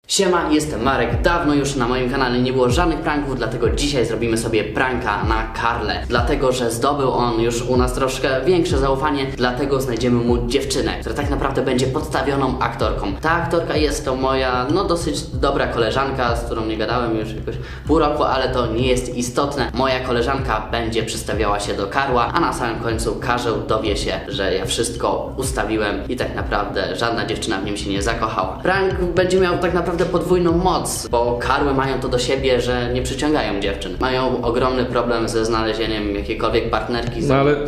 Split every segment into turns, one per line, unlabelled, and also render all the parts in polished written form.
Siema, jestem Marek. Dawno już na moim kanale nie było żadnych pranków, dlatego dzisiaj zrobimy sobie pranka na Karle. Dlatego, że zdobył on już u nas troszkę większe zaufanie, dlatego znajdziemy mu dziewczynę, która tak naprawdę będzie podstawioną aktorką. Ta aktorka jest to moja, dosyć dobra koleżanka, z którą nie gadałem już jakoś pół roku, ale to nie jest istotne. Moja koleżanka będzie przystawiała się do Karła, a na samym końcu Karzeł dowie się, że ja wszystko ustawiłem i tak naprawdę żadna dziewczyna w nim się nie zakochała. Prank będzie miał tak naprawdę podwójną moc, bo Karły mają to do siebie, że nie przyciągają dziewczyn. Mają ogromny problem ze znalezieniem jakiejkolwiek partnerki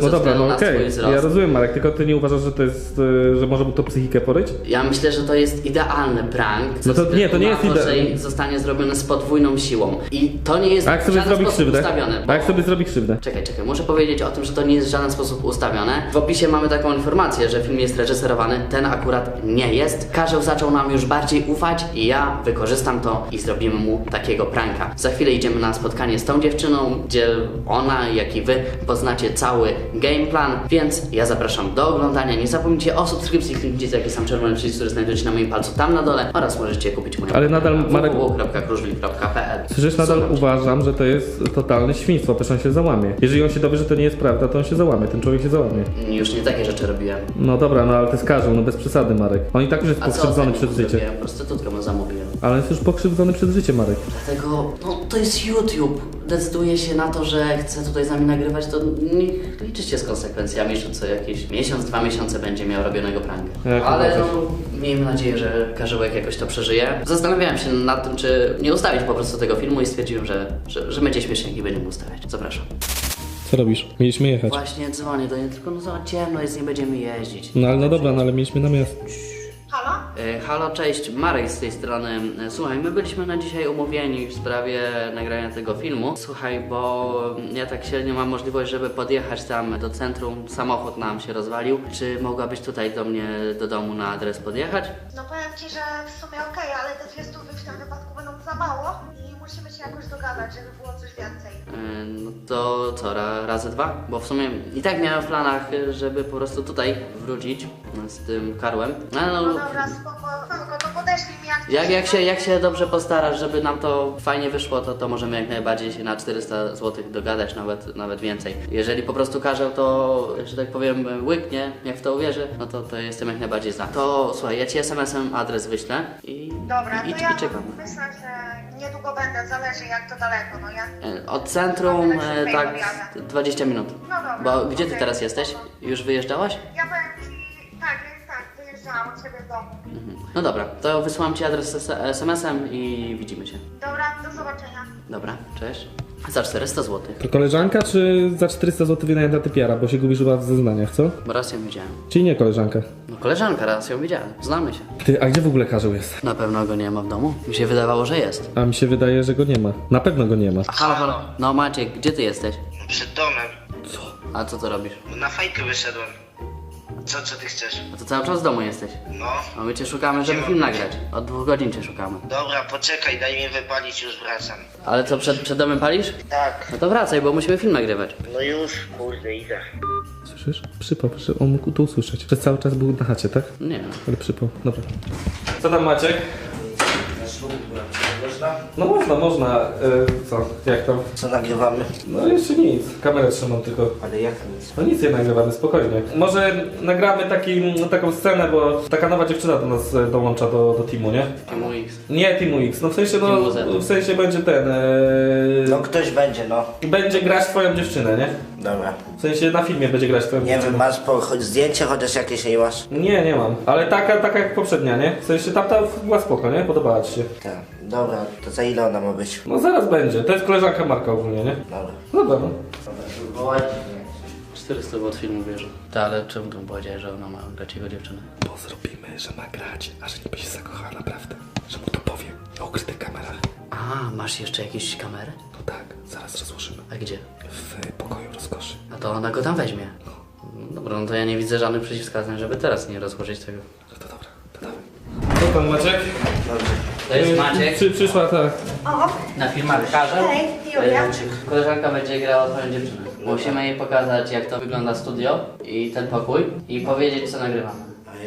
okej, ja rozumiem, Marek, tylko ty nie uważasz, że to jest, że może mu to psychikę poryć?
Ja myślę, że to jest idealny prank.
No to nie, to nie jest
idealny. Że zostanie zrobiony z podwójną siłą. I to nie jest w żaden sposób ustawione.
A jak sobie zrobi krzywdę?
Czekaj, muszę powiedzieć o tym, że to nie jest w żaden sposób ustawione. W opisie mamy taką informację, że film jest reżyserowany, ten akurat nie jest. Karzeł zaczął nam już bardziej ufać i ja wykorzystam to i zrobimy mu takiego pranka. Za chwilę idziemy na spotkanie z tą dziewczyną, gdzie ona, jak i wy poznacie cały game plan, więc ja zapraszam do oglądania. Nie zapomnijcie o subskrypcji, kliknijcie taki sam czerwony przycisk, który znajduje się na moim palcu tam na dole oraz możecie kupić moją
ale nadal Marek
www.kruszwil.pl.
Przecież nadal uważam, że to jest totalne świństwo, przecież on się załamie. Jeżeli on się dowie, że to nie jest prawda, to on się załamie, ten człowiek się załamie.
Już nie takie rzeczy robiłem.
No dobra, ale to jest Karzeł, bez przesady, Marek. On i tak już jest pokrzywdzony przez życie.
Prostytutkę mu zamówiłem.
Ale jest już pokrzywdzony przez życie, Marek.
Dlatego, to jest YouTube. Decyduje się na to, że chce tutaj z nami nagrywać, to niech liczy się z konsekwencjami, że co jakiś miesiąc, 2 miesiące będzie miał robionego pranka. Ale miejmy nadzieję, że Karzełek jakoś to przeżyje. Zastanawiałem się nad tym, czy nie ustawić po prostu tego filmu i stwierdziłem, że będzie śmiesznie i będziemy ustawiać. Zapraszam.
Co robisz? Mieliśmy jechać. Właśnie
dzwonię do niej, tylko za ciemno jest, nie będziemy jeździć.
No dobra, ale mieliśmy na miasto.
Halo?
Halo, cześć, Marek z tej strony. Słuchaj, my byliśmy na dzisiaj umówieni w sprawie nagrania tego filmu. Słuchaj, bo ja tak średnio mam możliwość, żeby podjechać tam do centrum. Samochód nam się rozwalił. Czy mogłabyś tutaj do mnie, do domu na adres podjechać?
No powiem Ci, że w sumie okej, ale te 200 w tym wypadku będą za mało i musimy się jakoś dogadać, żeby było coś więcej.
No to co, razy 2? Bo w sumie i tak miałem w planach, żeby po prostu tutaj wrócić z tym Karłem.
No dobra, spoko, to podeślij mi
jak się dobrze postarasz, żeby nam to fajnie wyszło, to możemy jak najbardziej się na 400 zł dogadać, nawet więcej. Jeżeli po prostu Karzeł to, że tak powiem, łyknie, jak w to uwierzy, no to jestem jak najbardziej za. To słuchaj, ja Ci SMS-em adres wyślę i
dobra,
i
to ja
czekam.
myślę, że niedługo będę, zależy jak to daleko, no ja...
Od centrum tak 20 minut.
No dobra.
Bo gdzie Ty teraz jesteś? Już wyjeżdżałaś?
Ja powiem Ci, tak, wyjeżdżałam od Ciebie w domu.
No dobra, to wysyłam Ci adres SMS-em i widzimy się.
Dobra, do zobaczenia.
Dobra, cześć. Za 400 zł.
To koleżanka, czy za 400 zł wynajęta typiara, bo się gubisz chyba w zeznaniach, co?
Bo raz ją widziałem.
Czyli nie koleżanka?
No koleżanka, raz ją widziałem. Znamy się.
Ty, a gdzie w ogóle Karzeł jest?
Na pewno go nie ma w domu. Mi się wydawało, że jest.
A mi się wydaje, że go nie ma. Na pewno go nie ma.
Halo. No Maciek, gdzie Ty jesteś?
Przed domem.
A co robisz?
Na fajkę wyszedłem. Co ty chcesz?
A to cały czas w domu jesteś.
No.
A my Cię szukamy, żeby film nagrać. Od 2 godzin Cię szukamy.
Dobra, poczekaj, daj mi wypalić, już wracam.
Ale co, przed domem palisz?
Tak.
No to wracaj, bo musimy film nagrywać.
No już, kurde, idę.
Słyszysz? Przypał, on mógł to usłyszeć. Przez cały czas był na chacie, tak?
Nie.
Ale przypał. Dobra. Co tam Maciek? No można. Co? Jak tam?
Co nagrywamy?
No jeszcze nic. Kamerę trzymam tylko.
Ale jak nic?
No nic nie nagrywamy, spokojnie. Może nagramy taką scenę, bo taka nowa dziewczyna do nas dołącza do teamu, nie?
Teamu X.
Nie Teamu X, no w sensie,
Teamu Z.
w sensie będzie ten...
No ktoś będzie, no.
Będzie grać twoją dziewczynę, nie?
Dobra.
W sensie na filmie będzie grać twoją
Nie
dziewczynę.
wiem, masz zdjęcie chociaż jakieś nie masz?
Nie mam. Ale taka jak poprzednia, nie? W sensie tamta była spoko, nie? Podobała ci się.
Tak. Dobra, to za ile ona ma być?
No zaraz będzie. To jest koleżanka Marka ogólnie, nie?
Dobra.
Dobra, no.
Dobra,
400 zł filmu bierze. Tak, ale czemu tu powiedziałeś, że ona ma grać jego dziewczynę?
Bo zrobimy, że ma grać, a że niby się zakochała naprawdę. Że mu to powie na ukrytych kamerach.
A, masz jeszcze jakieś kamery?
No tak, zaraz rozłożymy.
A gdzie?
W pokoju rozkoszy.
A to ona go tam weźmie. Dobra, no to ja nie widzę żadnych przeciwwskazań, żeby teraz nie rozłożyć tego.
No to dobra, to dawaj. Co pan Maciek?
To jest Maciek.
Przyszła tak.
O,
Na filmarkarze.
hej, Julia.
Koleżanka będzie grała twoją dziewczynę. Musimy jej pokazać, jak to wygląda studio i ten pokój i powiedzieć, co nagrywamy.
Ale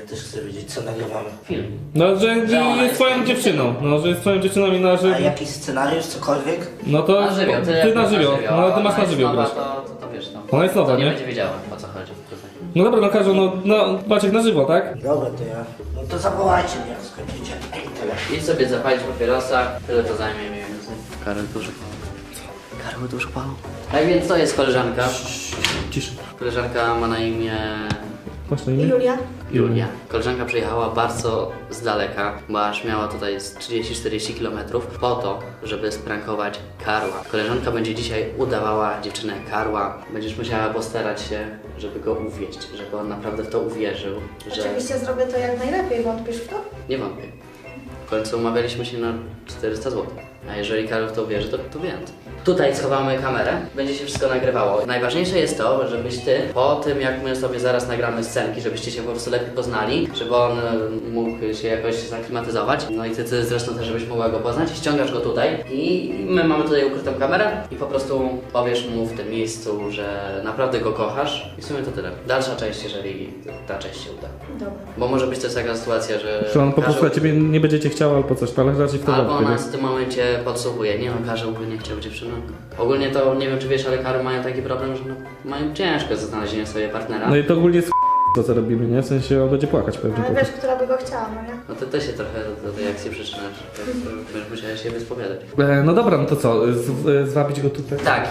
też chcę wiedzieć, co nagrywamy.
Film.
No, że
Że ona
jest
jest
twoją
twoją
dziewczyną. No, że jest twoją dziewczyną i na żywo.
A jakiś scenariusz, cokolwiek?
No to
Na żywioł,
ty na żywioł. No, ty masz na żywioł
grać.
grać.
To wiesz, no.
Ona jest nowa,
To nie
nie?
będzie wiedziała, o co chodzi.
No dobra, no każą, no Maciek na żywo, tak?
Dobra, to ja. No to zawołajcie mnie, jak skończycie. Tyle.
Idź sobie zapalić papierosa, tyle to zajmie mniej więcej. Karol dużo palą. Karol dużo palą. Tak więc to jest koleżanka.
Ciszy.
Koleżanka ma na imię
Masz na imię?
Julia?
Julia. Koleżanka przyjechała bardzo z daleka, bo aż miała tutaj z 30-40 km po to, żeby sprankować Karła. Koleżanka będzie dzisiaj udawała dziewczynę Karła. Będziesz musiała postarać się, żeby go uwieść, żeby on naprawdę w to uwierzył, że...
Oczywiście zrobię to jak najlepiej, wątpisz w to?
Nie wątpię. W końcu umawialiśmy się na 400 zł. A jeżeli Karol w to uwierzy, to więcej. Tutaj schowamy kamerę, będzie się wszystko nagrywało. Najważniejsze jest to, żebyś ty, po tym jak my sobie zaraz nagramy scenki, żebyście się po prostu lepiej poznali, żeby on mógł się jakoś zaklimatyzować. No i ty zresztą też, żebyś mogła go poznać. Ściągasz go tutaj i my mamy tutaj ukrytą kamerę i po prostu powiesz mu w tym miejscu, że naprawdę go kochasz i w sumie to tyle. Dalsza część, jeżeli ta część się uda.
Dobra.
Bo może być też taka sytuacja, że...
Że on po prostu
Karzeł-
na ciebie nie będzie chciał albo coś, ale raczej w to
Albo
wątpię,
nas w tym momencie podsłuchuje. Nie no, Karzeł by nie chciał dziewczyny. Ogólnie to nie wiem czy wiesz, ale Karol mają taki problem, że mają ciężko ze znalezieniem sobie partnera.
No i to ogólnie jest to co robimy, nie? W sensie on będzie płakać pewnie.
Ale
po
wiesz,
prostu.
która by go chciała, no nie?
No to ty się trochę do tej akcji przyczynasz. Będziesz musiała się wyspowiadać.
No dobra, no to co? Zwabić go tutaj?
Tak,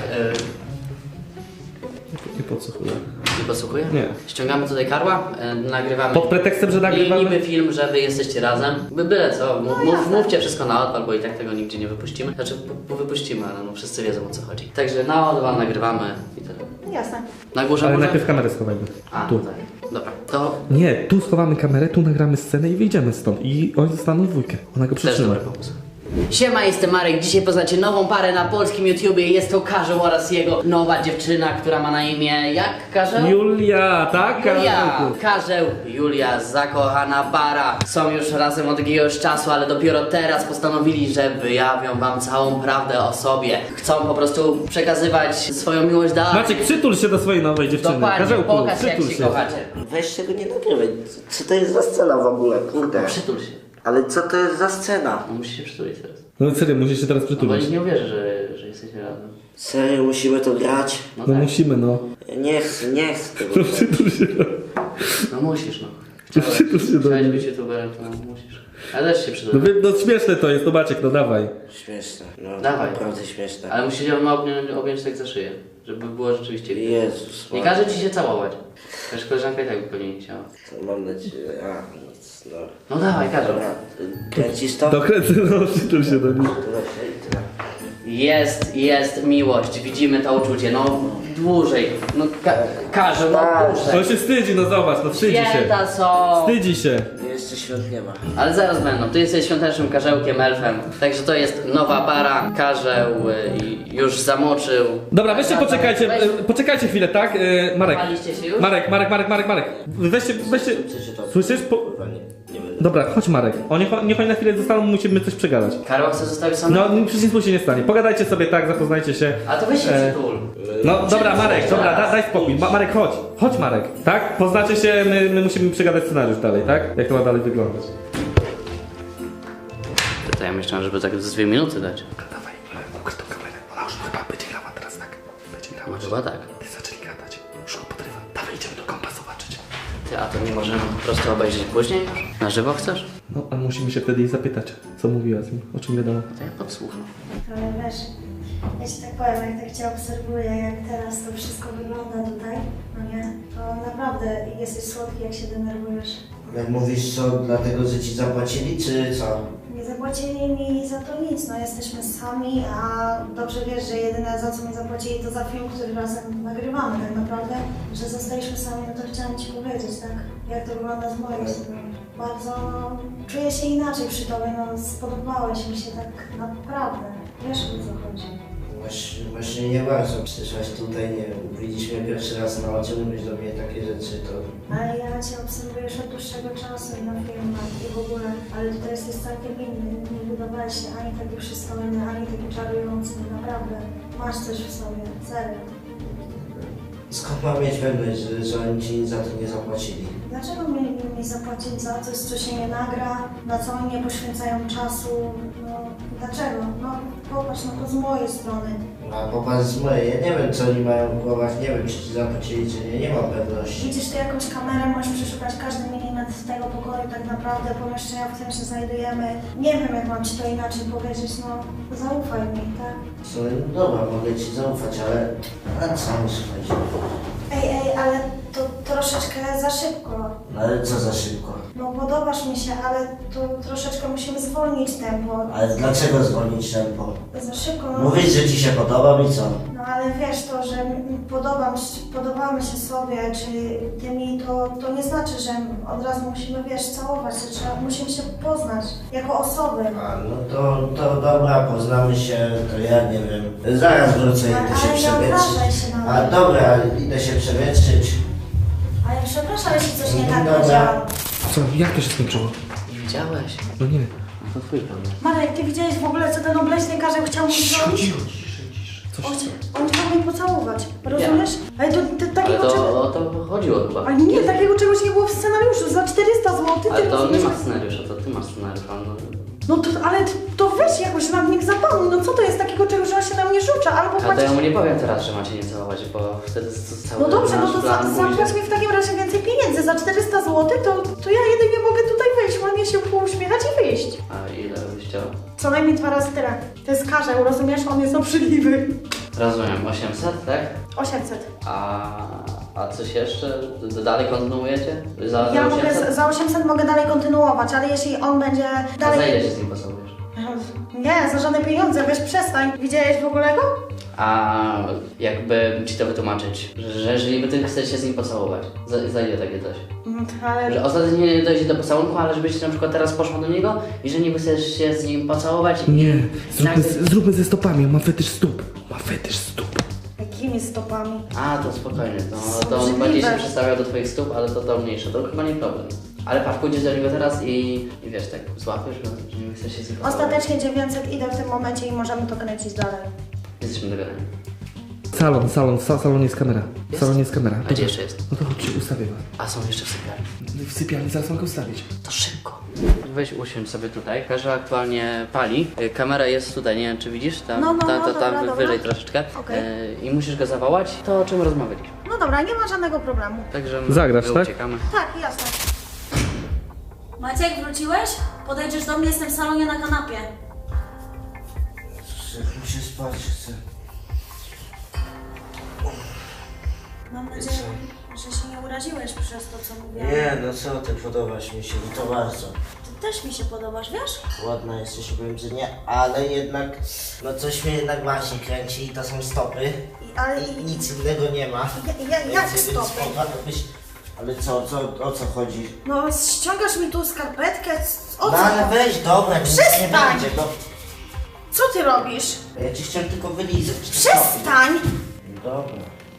I po co chuj?
nie podsłuchuję?
Nie.
Ściągamy tutaj Karła, nagrywamy.
Pod pretekstem, że nagrywamy?
Niby film, że wy jesteście razem. Byle co, mówcie wszystko na odpal, bo i tak tego nigdzie nie wypuścimy. Znaczy, wypuścimy, ale no wszyscy wiedzą o co chodzi. Także na odpal nagrywamy i tyle.
Jasne.
Na górze
Ale
może?
najpierw kamerę schowajmy.
A,
Tu.
tak. Dobra, to
Nie, tu schowamy kamerę, tu nagramy scenę i wyjdziemy stąd. I oni zostaną w dwójkę. Ona go
też
przytrzyma.
dobry pomysł. Siema, jestem Marek. Dzisiaj poznacie nową parę na polskim YouTubie. Jest to Karzeł oraz jego nowa dziewczyna, która ma na imię... Jak Karzeł?
Julia, tak?
Julia, Karzeł, Julia, zakochana para. Są już razem od jakiegoś czasu, ale dopiero teraz postanowili, że wyjawią wam całą prawdę o sobie. Chcą po prostu przekazywać swoją miłość dalej.
Maciek, przytul się do swojej nowej dziewczyny.
Dokładnie,
Karzełku,
pokaż jak
przytul
się kochacie.
Weź tego nie nagrywaj. Co to jest za scena w ogóle? Kurde.
Przytul się.
Ale co to jest za scena?
No musisz się przytulić teraz.
No serio, musisz się teraz
No bo
przytulić.
nikt nie uwierzy, że jesteście razem.
Serio, musimy to grać?
No
No
tak.
musimy, no.
Ja nie chcę tego.
No przytul się.
No musisz, no.
Przytul się do
Chciałeś
mnie.
być youtuberem, to musisz. Ale też się
No,
przytul.
no śmieszne to jest, no Maciek, no dawaj.
Śmieszne. No,
Dawaj.
naprawdę śmieszne.
Ale musisz ją objąć tak za szyję, żeby było rzeczywiście widać.
Jezus.
Nie
Maria.
każe ci się całować. Też koleżanka i tak by pewnie nie chciała.
Mam nadzieję. A, nic, no.
No dawaj, Karol.
Dobra, kręcisz to?
Dokręcę, no przytul się do niej.
Dobra, i tyle.
Jest miłość, widzimy to uczucie, no dłużej, no Karol, no dłużej.
On się wstydzi, no zobacz, no wstydzi się.
Święta są.
Wstydzi się.
Jeszcze świąt nie ma.
Ale zaraz będą, ty jesteś świątecznym karzełkiem, elfem, także to jest nowa para, karzeł i już zamoczył.
Dobra, weźcie poczekajcie, poczekajcie chwilę, tak? Marek.
Paliście się już?
Marek. Weźcie.
Przeczytam.
Słyszysz?
Kurwa, nie będę.
Dobra, chodź Marek. Niech oni na chwilę zostaną, musimy coś przegadać.
Karol chce zostawić sam?
No, przecież nic mu się nie stanie. Pogadajcie sobie tak, zapoznajcie się.
A to weź się przytul.
No dobra, Marek, dobra, daj spokój. Marek, chodź. Chodź Marek, tak? Poznacie się, my musimy przegadać scenariusz dalej, tak? Jak to ma dalej wyglądać.
To ja myślałem, żeby tak z 2 minuty dać.
Dawaj, ukrytą kamerę. Ona już chyba będzie grała teraz, tak? Będzie grała.
No chyba tak.
Ty zaczęli gadać. Już go podrywa. Dawaj, idziemy do kompa zobaczyć.
Ty, a to nie możemy po prostu obejrzeć później już? Na żywo chcesz?
No, a musimy się wtedy jej zapytać, co mówiła z nim, o czym wiadomo.
To ja podsłucham.
Ale wiesz, ja ci tak powiem, jak tak cię obserwuję, jak teraz to wszystko wygląda tutaj, no nie, to naprawdę jesteś słodki, jak się denerwujesz.
Jak mówisz co, dlatego, że ci zapłacili, czy co?
Nie zapłacili mi za to nic, no jesteśmy sami, a dobrze wiesz, że jedyne za co mi zapłacili to za film, który razem nagrywamy tak naprawdę, że zostaliśmy sami, no to chciałam ci powiedzieć, tak, jak to wygląda z mojej strony. Bardzo, no, czuję się inaczej przy tobie, no spodobałeś mi się tak naprawdę, wiesz o co chodzi.
Właśnie nie bardzo. Przyszłaś tutaj, nie wiem, widzieliśmy pierwszy raz na oczy, mówisz do mnie takie rzeczy, to...
Ale ja cię obserwuję już od dłuższego czasu i na filmach i w ogóle, ale tutaj jesteś całkiem inny, nie wydawałeś się ani taki przystojny, ani taki czarujący, naprawdę. Masz coś w sobie, serio.
Skąd mam mieć pewność, że oni ci za to nie zapłacili?
Dlaczego dlaczego mieliby mi zapłacić za coś, co się nie nagra, na co oni nie poświęcają czasu? No, dlaczego? No, popatrz, no to z mojej strony.
A popatrz z mojej, ja nie wiem co oni mają w głowach, nie wiem czy ci zapłacili, czy nie, nie mam pewności.
Widzisz, ty jakąś kamerę możesz przeszukać każdy milimetr tego pokoju, tak naprawdę pomieszczenia, w którym się znajdujemy. Nie wiem, jak mam ci to inaczej powiedzieć, no zaufaj mi, tak?
No dobra, mogę ci zaufać, ale na co mi słuchajcie?
Ej, ale to troszeczkę za szybko.
No ale co za szybko?
No podobasz mi się, ale to troszeczkę musimy zwolnić tempo.
Ale dlaczego zwolnić tempo?
Za szybko, no.
Mówisz, że ci się podoba i co?
No ale wiesz to, że podobamy się sobie, czy ty mi, to nie znaczy, że od razu musimy, wiesz, całować się, musimy się poznać jako osoby.
A no to dobra, poznamy się, to ja nie wiem. Zaraz wrócę, idę się
Ale nie obrażaj się
przewietrzyć.
na
A
mnie.
dobra, idę się przewietrzyć.
Ale przepraszam, jeśli coś nie tak
Dobra.
powiedziałam.
Co? Jak to się skończyło?
Nie widziałeś?
No nie.
To twój problem.
Marek, ty widziałeś w ogóle, co ten obleśny karzeł chciał mi zrobić?
Coś
On chciał mnie pocałować, rozumiesz? Ale to
Ale
takiego czegoś...
to o to chodziło chyba.
Ale nie, takiego czegoś nie było w scenariuszu, za 400 zł,
Ale
ty
to nie
rozumiesz?
ma scenariusza, to ty masz scenariusz.
No to, ale to weź jakoś na mnie zapanuj, no co to jest takiego czegoś, że on się na mnie rzuca, albo
Ale to
płacisz...
ja mu nie powiem teraz, że macie nie całować, bo wtedy cały
No dobrze, no
nasz
to
plan pójdzie.
zapłać mi w takim razie więcej pieniędzy, za 400 zł to ja jedynie mogę tutaj wejść, ładnie się pouśmiechać i wyjść.
A ile byś chciał?
Co najmniej 2 razy tyle. To jest karzeł, rozumiesz? On jest obrzydliwy.
Rozumiem, 800, tak?
800.
A coś jeszcze? Dalej kontynuujecie? Za
Ja
800?
mogę, za 800 mogę dalej kontynuować, ale jeśli on będzie
A za
dalej...
ile się z nim posługujesz?
Nie, za żadne pieniądze, wiesz, przestań. Widziałeś w ogóle go?
A jakby ci to wytłumaczyć, że jeżeli by ty chcesz się z nim pocałować, za ile takie coś?
Ale...
Że ostatecznie nie dojdzie do pocałunku, ale żebyś na przykład teraz poszła do niego i że niby chcesz się z nim pocałować
Nie,
nagle-
zróbmy ze stopami, on ma fetysz stóp. Ma fetysz stóp.
Jakimi stopami?
A, to spokojnie, to on
Obrzydliwe.
bardziej się przestawiał do twoich stóp, ale to mniejsze, to chyba nie problem. Ale patrz, pójdziesz do niego teraz i wiesz, tak złapiesz go, że nie chcesz się z nim pocałować.
Ostatecznie 900 idę w tym momencie i możemy to kręcić dalej.
Jesteśmy dogadani.
W salonie jest kamera. W salonie jest kamera.
A gdzie jeszcze jest?
No to chodź, ustawię go.
A są jeszcze w sypialni.
W sypialni zaraz mogę ustawić.
To szybko. Weź usiądź sobie tutaj. Każda aktualnie pali. Kamera jest tutaj, nie wiem czy widzisz? Tam,
No,
tam
dobra.
wyżej troszeczkę.
Okej.
I musisz go zawołać. To o czym rozmawialiśmy.
No dobra, nie ma żadnego problemu.
Także my
Zagrasz, tak?
uciekamy.
Tak, jasne. Maciek, wróciłeś? Podejdziesz do mnie, jestem w salonie na kanapie.
Muszę spać, chcę.
Mam nadzieję, że się nie uraziłeś przez to, co mówiłam.
Nie, no co ty, podobasz mi się i to bardzo.
Ty też mi się podobasz, wiesz?
Ładna jesteś, powiem, że nie, ale jednak, no coś mnie jednak właśnie kręci i to są stopy.
Ale
I nic innego nie ma.
jak
Więc
stopy?
mogłabyś- Ale o co chodzi?
No, ściągasz mi tu skarpetkę, o
No
co?
ale weź, dobra, nic nie
Przestań!
będzie, no.
Co ty robisz?
Ja ci chciałem tylko wylizać.
Przestań!
Dobra.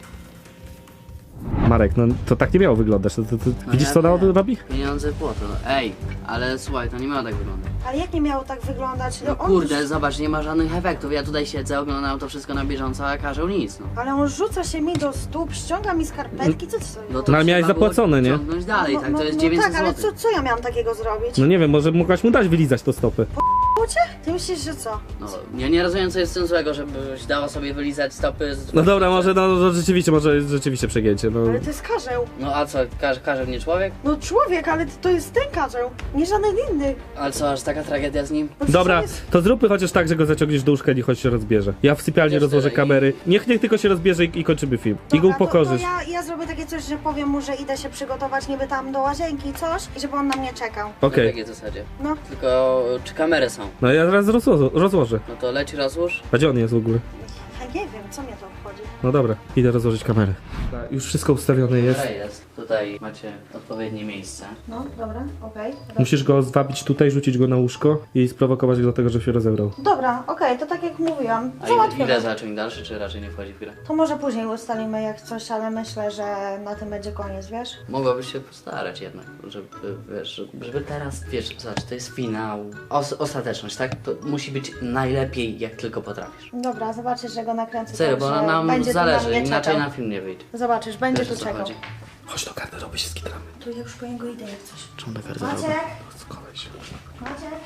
Marek, no to tak nie miało wyglądać. Widzisz
ja
co ona
wiem.
robi?
Pieniądze błoto. Ej, ale słuchaj, to nie miało tak wyglądać.
Ale jak nie miało tak wyglądać?
No kurde, zobacz, nie ma żadnych efektów. Ja tutaj siedzę, oglądam to wszystko na bieżąco, a każą nic, no.
Ale on rzuca się mi do stóp, ściąga mi skarpetki, co ty sobie?
No to
No ale miałeś
trzeba było
zapłacone, nie?
ciągnąć dalej, tak, to jest 900
tak, ale
zł.
co ja miałam takiego zrobić?
No nie wiem, może mogłaś mu dać wylizać to stopy.
Cię? Ty myślisz, że co?
No, ja nie rozumiem, co jest w tym złego, żebyś dała sobie wylizać stopy z...
No dobra, może rzeczywiście przegięcie. No.
Ale to jest karzeł.
No a co, każe mnie człowiek?
No człowiek, ale to jest ten karzeł, nie żaden inny.
Ale co, aż taka tragedia z nim?
No przecież
Dobra,
on jest...
to zróbmy chociaż tak, że go zaciągniesz do łóżka i niech się rozbierze. Ja w sypialni
Wiesz,
rozłożę
tyle
kamery. Niech tylko się rozbierze i kończymy film. I go
Dobra,
upokorzysz.
to ja zrobię takie coś, że powiem mu, że idę się przygotować niby tam do łazienki, coś, i żeby on na mnie czekał.
Okej.
Na takiej zasadzie.
No.
Tylko, czy kamery są?
No ja zaraz rozłożę.
No to leć, rozłóż.
A gdzie on jest w ogóle?
Ja nie wiem, co mnie to obchodzi.
No dobra, idę rozłożyć kamerę. Już wszystko ustawione jest.
Dobra, jest. Tutaj macie odpowiednie miejsce.
No, dobra, okej.
Musisz go zwabić tutaj, rzucić go na łóżko i sprowokować go do tego, żeby się rozebrał.
Dobra, okej, to tak jak mówiłam.
A
Załatwione.
ile zacząć dalszy, czy raczej nie wchodzi w grę?
To może później ustalimy jak coś, ale myślę, że na tym będzie koniec, wiesz?
Mogłabyś się postarać jednak, żeby, wiesz, żeby teraz, wiesz, zobacz, to jest finał, ostateczność, tak? To musi być najlepiej, jak tylko potrafisz.
Dobra, zobaczysz, że go nakręcę.
Serio,
tak,
bo
że
nam
będzie tu na
zależy,
mnie
inaczej
czekał.
na film nie wyjdzie.
Zobaczysz, będzie
Wiesz,
tu
o co
czekał.
chodzi.
Chodź do garderoby, się skitramy.
Tu ja już po niego idę jak coś.
Czemu do garderoby?
Maciek!
Skolej się.
Maciek!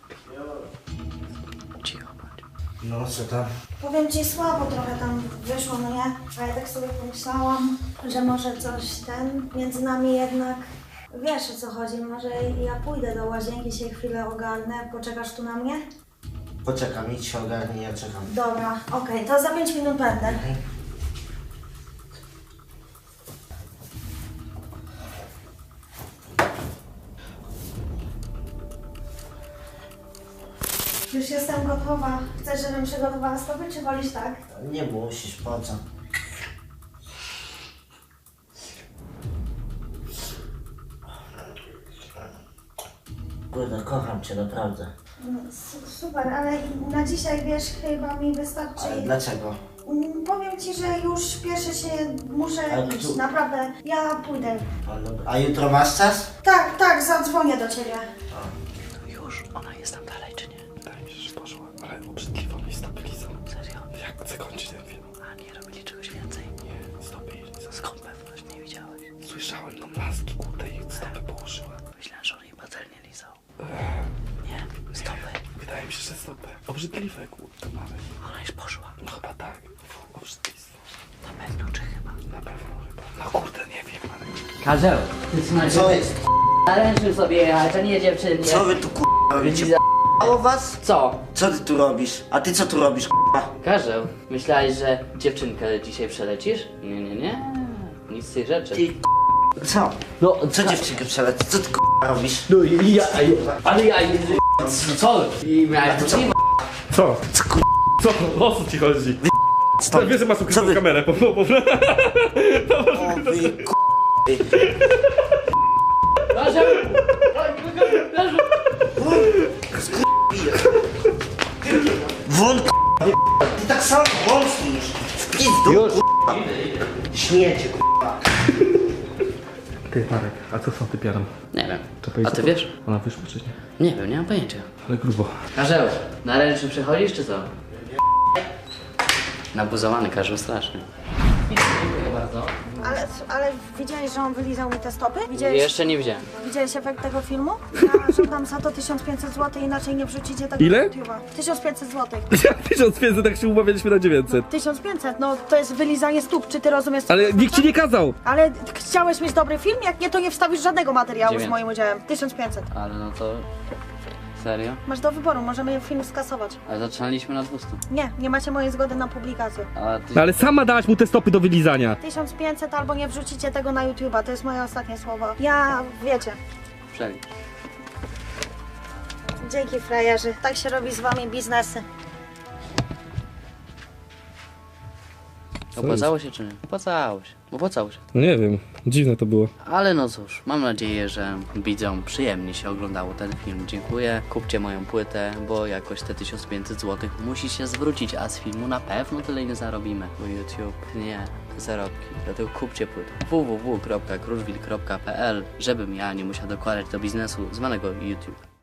Cicho, bądź.
No co tam?
Powiem ci, słabo trochę tam wyszło, no nie? A ja tak sobie pomyślałam, że może coś między nami jednak, wiesz o co chodzi, może ja pójdę do łazienki, się chwilę ogarnę, poczekasz tu na mnie?
Poczekam, idź się ogarnij, ja czekam.
Dobra, okej, to za 5 minut będę. Już jestem gotowa. Chcesz, żebym przygotowała stopy, czy wolisz tak?
Nie musisz, po co? Kurde, kocham cię, naprawdę.
Super, ale na dzisiaj, wiesz, chyba mi wystarczy.
Ale dlaczego?
Powiem ci, że już śpieszę się, muszę
Ale
iść,
tu-
naprawdę. Ja pójdę.
A jutro masz czas?
Tak, tak, zadzwonię do ciebie.
Już, ona jest tam dalej, czy nie?
Wydaje mi się, że poszła, ale obrzydliwa mi stopy lizą.
Serio?
Jak zakończyć ten film?
A nie robili czegoś więcej?
Nie, stopy jej lizą.
Skąd pewność? Nie widziałeś?
Słyszałem no laski, kurde, ich stopy położyła.
Myślałem, że on jej patelnie lizał. Nie, stopy.
Wydaje mi się, że stopy. Obrzydliwe, kurde, Marek.
Ona już poszła.
No chyba tak. Obrzydlistwo.
Na pewno, czy chyba?
Na pewno chyba. No kurde, nie wiem, Marek.
Karzeł, ty
Co jest?
naręczył sobie jechać, a nie dziewczynie.
Co wy tu robicie? O was?
Co?
Co ty tu robisz? A ty co tu robisz,
Karzeł, myślałeś, że dziewczynkę dzisiaj przelecisz? Nie, nie, nie. Nic z tych rzeczy.
Ty co?
No,
Co dziewczynkę przeleci? Co ty robisz?
No ale ja... Co? I miałeś to
Co? Co? O co ci chodzi?
Stop.
Wiesz, że masz
Co
ukrytą
wy?
kamerę,
O wy
Karzeł! Karzeł!
Won ty tak samo wątpisz. W pizdu,
Już.
śmiecie,
Ty, Marek, a co są ty piarą?
Nie wiem.
Czekaj,
A
co
ty
to?
wiesz?
Ona wyszła czy nie?
Nie wiem, nie mam pojęcia.
Ale grubo.
Karzeł, na ręczny przechodzisz czy co? Nabuzowany Karzeł strasznie. Dziękuję bardzo.
Ale widziałeś, że on wylizał mi te stopy? Widziałeś,
Jeszcze nie widziałem.
widziałeś efekt tego filmu? Ja żądam za to 1500 zł, inaczej nie wrzucicie tego
Ile?
na YouTube'a. 1500 zł.
1500, tak się umawialiśmy na 900.
1500, no to jest wylizanie stóp, czy ty rozumiesz? co
Ale
to
nikt ci
znaczy?
nie kazał.
Ale chciałeś mieć dobry film? Jak nie, to nie wstawisz żadnego materiału z
900.
moim udziałem. 1500.
Ale no to... Serio?
Masz do wyboru, możemy film skasować.
Ale zaczynaliśmy na 200.
Nie, nie macie mojej zgody na publikację.
A ty...
No ale sama dałaś mu te stopy do wylizania.
1500 albo nie wrzucicie tego na YouTube'a, to jest moje ostatnie słowo. Ja, wiecie,
Przelicz.
dzięki frajerzy, tak się robi z wami biznesy.
Opłacało się czy nie? Opłacało się. Opłacało się.
No nie wiem, dziwne to było.
Ale no cóż, mam nadzieję, że widzom przyjemnie się oglądało ten film. Dziękuję. Kupcie moją płytę, bo jakoś te 1500 zł musi się zwrócić, a z filmu na pewno tyle nie zarobimy, bo YouTube nie zarobki. Dlatego kupcie płytę www.kruszwil.pl, żebym ja nie musiał dokładać do biznesu zwanego YouTube.